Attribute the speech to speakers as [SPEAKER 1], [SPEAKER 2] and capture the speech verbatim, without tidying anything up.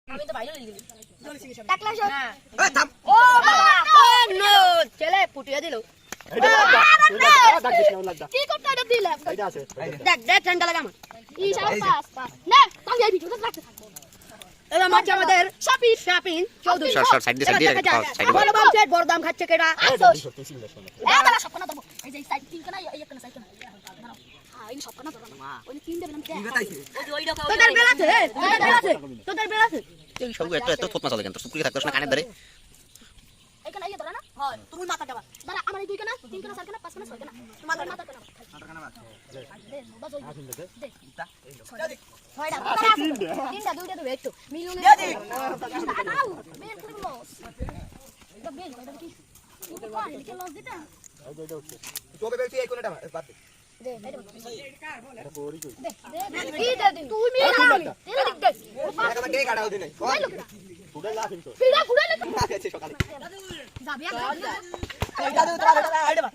[SPEAKER 1] আমি তো বাইরে লিখে দিই
[SPEAKER 2] টাকলা শট
[SPEAKER 1] না
[SPEAKER 3] এ থাম
[SPEAKER 2] ও বাবা ও নো ছেলে পুটিয়ে দিল কি করতে এটা দিলাম দেখ দেখ ঠান্ডা লাগা আমার ইশারা পাস পাস না তাহলে এই ভিডিওটা রাখতে থাকবো এবার মাছ আমাদের শাপি শাপিন চৌধুরী
[SPEAKER 4] শর্ট শর্ট সাইড দিয়ে সাইড দিয়ে সাইড
[SPEAKER 2] বড় বাম সেট বড় দাম খাচ্ছে কেডা এই দাদা সব কোনা দেবো এই যে সাইড তিন কোনা এই একটা সাইড কোনা দাঁড়াও হ্যাঁ এই সব কোনা ধরো না ওই তিন দেবেন
[SPEAKER 3] কি কথাইছে
[SPEAKER 1] ওই রকম
[SPEAKER 2] তোদের বেলা আছে তোদের বেলা আছে তোদের বেলা আছে
[SPEAKER 4] এই সব এত এত থোপ মাছ লাগে তো সুকুরি থাকতো না কানে ধরে
[SPEAKER 2] এখানে এই ধরে না
[SPEAKER 1] হয় তুমি মাথা যাবা
[SPEAKER 2] দাঁড়া আমার এই দুই কোনা তিন কোনা চার কোনা পাঁচ কোনা ছয় কোনা মাথা মাথা কোনা দে বাজ ওই দে ছয়টা তিনটা দুইটা দুই একটু মিলুন দে দে আউ বের করে লস এটা বের এটা কি এটা কোন কি লস দিতা
[SPEAKER 3] তোবে বেলতি এই কোনটা বাদ দে
[SPEAKER 2] দে এটা পড়ি কই দে দে কি দে দে তুই মেরা তেল দিক দে
[SPEAKER 3] টাকা কে কাটাও দিনে
[SPEAKER 2] ফুডা লা কিন্তু ফুডা ফুডা লা
[SPEAKER 3] আছে সকালে
[SPEAKER 2] যাবি
[SPEAKER 3] এই দাদু তোরা এটা আইডা